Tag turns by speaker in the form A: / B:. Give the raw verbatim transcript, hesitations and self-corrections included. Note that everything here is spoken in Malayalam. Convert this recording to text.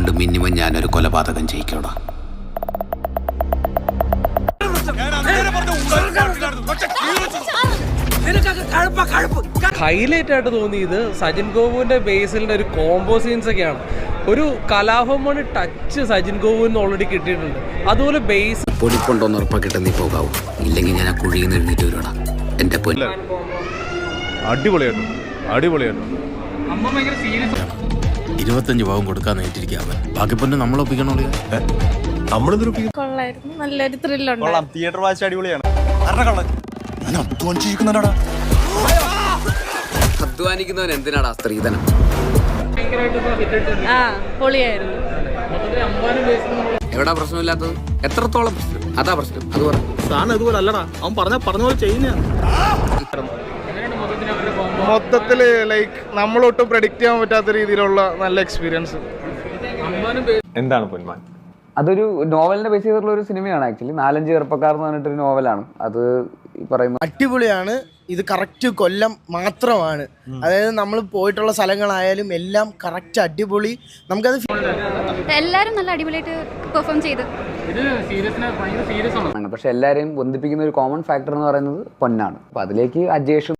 A: കൊണ്ട് മിനിമം ഞാനൊരു കൊലപാതകം ചെയ്യിക്കോടാ.
B: ഹൈലൈറ്റ് ആയിട്ട് തോന്നിയത് സജിൻ ഗോപുവിന്റെ ബേസിലിന്റെ ഒരു കോംബോ സീൻസ് ഒക്കെയാണ്. ഒരു കലാഭവൻ ടച്ച് സജിൻ ഗോപുവിന് ഓൾറെഡി കിട്ടിയിട്ടുണ്ട്. അതുപോലെ ബേസ്
A: പൊടിക്കൊണ്ടോന്ന് ഉറപ്പാക്കിട്ട് നീ പോകാവൂ, ഇല്ലെങ്കിൽ ഞാൻ ആ കുഴിയിൽ നിന്ന് എഴുന്നേറ്റ് വരൂടാ എന്റെ പൊന്നു.
C: അടിപൊളിയായിട്ടും അടിപൊളിയായിട്ടും
A: ഇരുപത്തഞ്ച് ഭാവം കൊടുക്കാൻ നേരിട്ടിരിക്കുക അവൻ. ബാക്കി പൊന്നു നമ്മൾ ഒപ്പിക്കണോ?
D: കൊള്ളായിരുന്നു, നല്ലൊരു ത്രില്ലുണ്ട്.
C: തിയേറ്റർ വാച്ച് അടിപൊളിയാണ്.
A: അധ്വാനിക്കുന്നവൻ എന്തിനാടാ സ്ത്രീധനം?
D: ആ പൊളിയായിരുന്നു.
A: എവിടാ പ്രശ്നമില്ലാത്തത്? എത്രത്തോളം പ്രശ്നം? അതാ പ്രശ്നം. അത് പറ.
C: സാധനം ഇതുപോലെ അല്ലടാ, അവൻ പറഞ്ഞ പറഞ്ഞ പോലെ ചെയ്യുന്ന മൊത്തത്തില് ലൈക്ക് നമ്മളൊട്ടും പ്രെഡിക്റ്റ് ചെയ്യാൻ പറ്റാത്ത രീതിയിലുള്ള നല്ല എക്സ്പീരിയൻസ്. എന്താണ് പൊന്മാൻ?
E: അതൊരു നോവലിനെ ബേസ് ചെയ്തിട്ടുള്ള ഒരു സിനിമയാണ്. ആക്ച്വലി നാലഞ്ച് ചെറുപ്പക്കാർ എന്ന് പറഞ്ഞിട്ടൊരു നോവലാണ് അത്. ഈ പറയുന്ന
F: അടിപൊളിയാണ്. ഇത് കറക്റ്റ് കൊല്ലം മാത്രമാണ്. അതായത് നമ്മൾ പോയിട്ടുള്ള സ്ഥലങ്ങളായാലും എല്ലാം കറക്റ്റ് അടിപൊളി. നമുക്കത്
D: എല്ലാരും നല്ല അടിപൊളിയായിട്ട് പെർഫോം ചെയ്തു.
E: പക്ഷെ എല്ലാവരെയും ബന്ധിപ്പിക്കുന്ന ഒരു കോമൺ ഫാക്ടർ എന്ന് പറയുന്നത് പൊന്നാണ്. അപ്പൊ അതിലേക്ക് അജേഷും